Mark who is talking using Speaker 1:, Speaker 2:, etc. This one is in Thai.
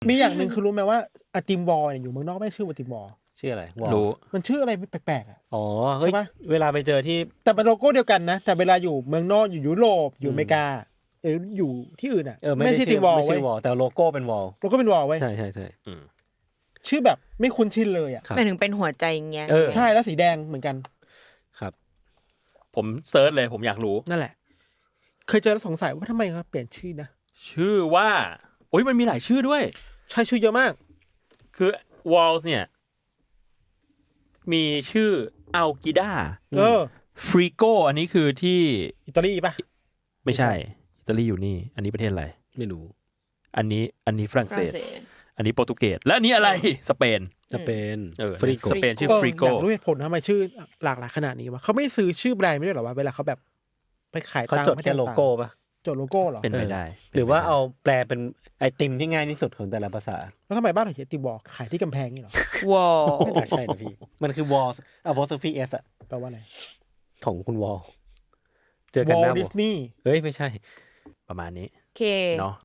Speaker 1: มีอย่างหนึ่งคือรู้ไหมว่าอะติมวอลเนี่ยอยู่เมืองนอกไม่ชื่อว่าติมวอล
Speaker 2: ชื่ออะไรวอล
Speaker 3: รู้
Speaker 1: มันชื่ออะไรแปลกๆอ่ะ
Speaker 2: อ๋อเฮ้ย
Speaker 1: ใช่ปะ
Speaker 2: เวลาไปเจอที่
Speaker 1: แต่เป็นโลโก้เดียวกันนะแต่เวลาอยู่เมืองนอกอยู่ยุโรปอยู่อเมริกาหรืออยู่ที่อื่นอ่ะ
Speaker 2: ไม่
Speaker 1: ไม่
Speaker 2: ได้
Speaker 1: ใช่
Speaker 2: ชื่
Speaker 1: ติ
Speaker 2: อ
Speaker 1: มวอล
Speaker 2: ไม่
Speaker 1: เว้
Speaker 2: ใช่
Speaker 1: ยว
Speaker 2: อลแต่โลโก้เป็นวอล
Speaker 1: โลโก้เป็นวอลเว้ย
Speaker 2: ใช่ใช่ใช่
Speaker 1: ชื่อแบบไม่คุ้นชินเลยอ่ะ
Speaker 2: ครับ
Speaker 4: หมายถึงเป็นหัวใจเงี้ย
Speaker 1: ใช่แล้วสีแดงเหมือนกัน
Speaker 2: ครับ
Speaker 3: ผมเซิร์ชเลยผมอยากรู้
Speaker 1: นั่นแหละ เคยเจอแล้วสงสัยว่าทำไมเขาเปลี่ยนชื่อนะ
Speaker 3: ชื่อว่าโอ้ยมันมีหลายชื่อด้วย
Speaker 1: ใช่ชื่อเยอะมาก
Speaker 3: คือ Walls เนี่ย มีชื่ออัลกิดา ฟริโกอันนี้คือที่
Speaker 1: อิตาลีป่ะ
Speaker 3: ไม่ใช่ อิตาลีอยู่นี่ อันนี้ประเทศอะไร
Speaker 2: ไม่รู้
Speaker 3: อันนี้ฝรั่ง
Speaker 4: ฝ
Speaker 3: เศ
Speaker 4: รั่ง
Speaker 3: ส
Speaker 4: เศส
Speaker 3: อันนี้โปรตุเกสและอันนี้อะไรสเปน
Speaker 2: จะเป็น
Speaker 3: ฟริโกสเปนชื่อฟริโก
Speaker 1: อยากรู้เหตุผลทำไมชื่อหลากหลายขนาดนี้วะเขาไม่ซื้อชื่อแบรนด์ไม่ได้หรอวะเวลาเขาแบบไปขาย
Speaker 2: เขา
Speaker 1: ตาม
Speaker 2: จดแค่โลโก้ป่ะ
Speaker 1: จดโลโก้เหรอ
Speaker 3: เป็นไปได้
Speaker 2: หรือว่าเอาแปลเป็นไอติมที่ง่ายที่สุดของแต่ละภาษา
Speaker 1: แล้วทำไมบ้านเราเขียนติมวอลขายที่กำแพงนี่หรอ
Speaker 4: วอล
Speaker 2: ไม่น่าใช่นะพี่ มันคือวอลapostrophe s อะ
Speaker 1: แปลว่าอะไร
Speaker 2: ของคุณวอลเจอกัน
Speaker 1: วอ
Speaker 2: ห
Speaker 1: ล
Speaker 2: น้า
Speaker 1: ดิสนีย์
Speaker 2: เฮ้ยไม่ใช่
Speaker 3: ประมาณนี้
Speaker 4: โอเค
Speaker 3: เนาะ